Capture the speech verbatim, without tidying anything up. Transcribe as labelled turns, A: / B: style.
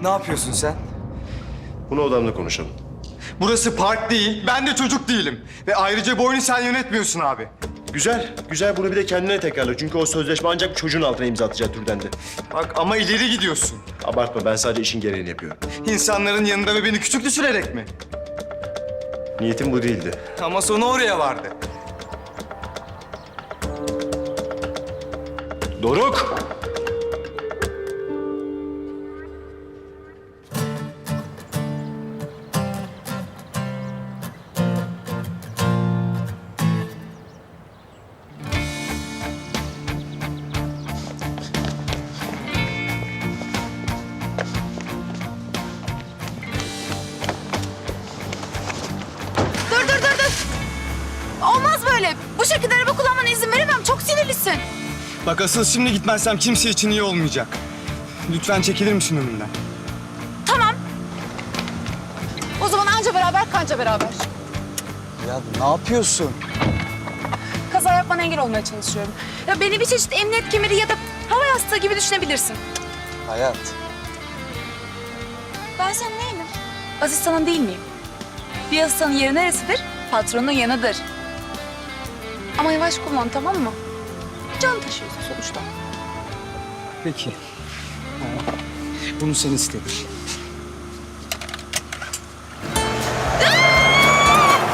A: Ne yapıyorsun sen?
B: Bunu odamda konuşalım.
A: Burası park değil, ben de çocuk değilim. Ve ayrıca bu oyunu sen yönetmiyorsun abi.
B: Güzel, güzel. Bunu bir de kendine tekrarla. Çünkü o sözleşme ancak bir çocuğun altına imza atacağı türdendi.
A: Bak ama ileri gidiyorsun.
B: Abartma, ben sadece işin gereğini yapıyorum.
A: İnsanların yanında ve beni küçük düşürerek mi?
B: Niyetim bu değildi.
A: Ama sonu oraya vardı.
B: Doruk!
C: Dur dur dur dur. Olmaz böyle. Bu şekilde araba kullanmana izin veremem. Çok sinirlisin.
A: Bak asıl şimdi gitmezsem kimse için iyi olmayacak. Lütfen çekilir misin önümden?
C: Tamam. O zaman anca beraber kanca beraber.
A: Ya ne yapıyorsun?
C: Kaza yapmana engel olmaya çalışıyorum. Ya beni bir çeşit emniyet kemeri ya da hava yastığı gibi düşünebilirsin.
A: Hayat.
C: Ben senin neyim? Asistanın değil miyim? Bir asistanın yeri neresidir? Patronun yanıdır. Ama yavaş kullan, tamam mı? Can taşıyorsun sonuçta.
A: Peki. Ha, bunu sen istedin.